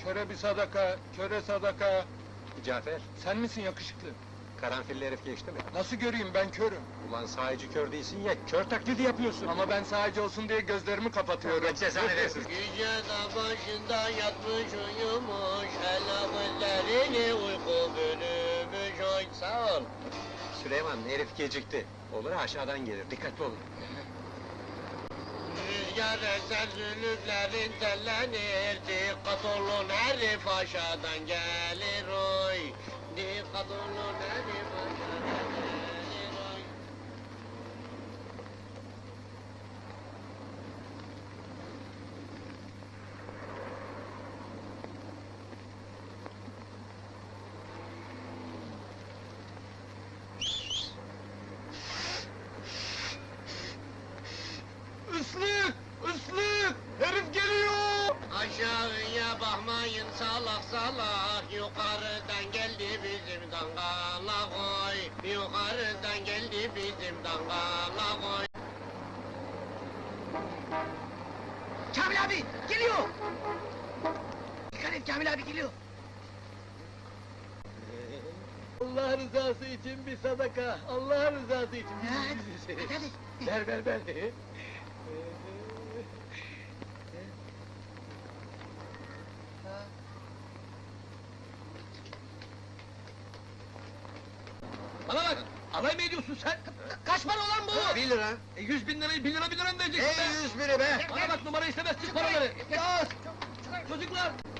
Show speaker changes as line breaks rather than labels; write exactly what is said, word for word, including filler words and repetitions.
Köre bir sadaka, köre sadaka.
Cafer,
Sen misin yakışıklı?
karanfilli herif geçti mi?
Nasıl göreyim, ben körüm.
Ulan sahici kör değilsin ya, kör taklidi yapıyorsun!
Ama ben sadece olsun diye gözlerimi kapatıyorum.
Allah cezanı versin!
Yüce dağ başında yatmış uyumuş, el gözlerini uyku bölümüş, oy sağ ol.
Süleyman, herif gecikti. Olur aşağıdan gelir, dikkatli olun.
Rüzgar eser zülüflerin tellenir, dikkat olun herif aşağıdan gelir oy. Dikkat olun herif aşağıdan gelir oy.
Islık! Islık! Herif geliyor!
Aşağıya bakmayın salak salak, yukarıdan geldi bizim dangala koy. Yukarıdan geldi bizim dangala koy.
Kamil abi geliyor! Dikkat et, Kamil abi geliyor!
Allah rızası için bir sadaka, Allah rızası için.
Hadi, hadi, hadi!
Ver, ver, ver!
Bana bak, alay mı ediyorsun sen? Kaç para olan bu?
Bir lira!
E, yüz bin lirayı, bin lira bin lira mı vereceksin be?
Ey yüz biri be!
Bana bak, numara istemez, çık paraları! Yaz! Çocuklar,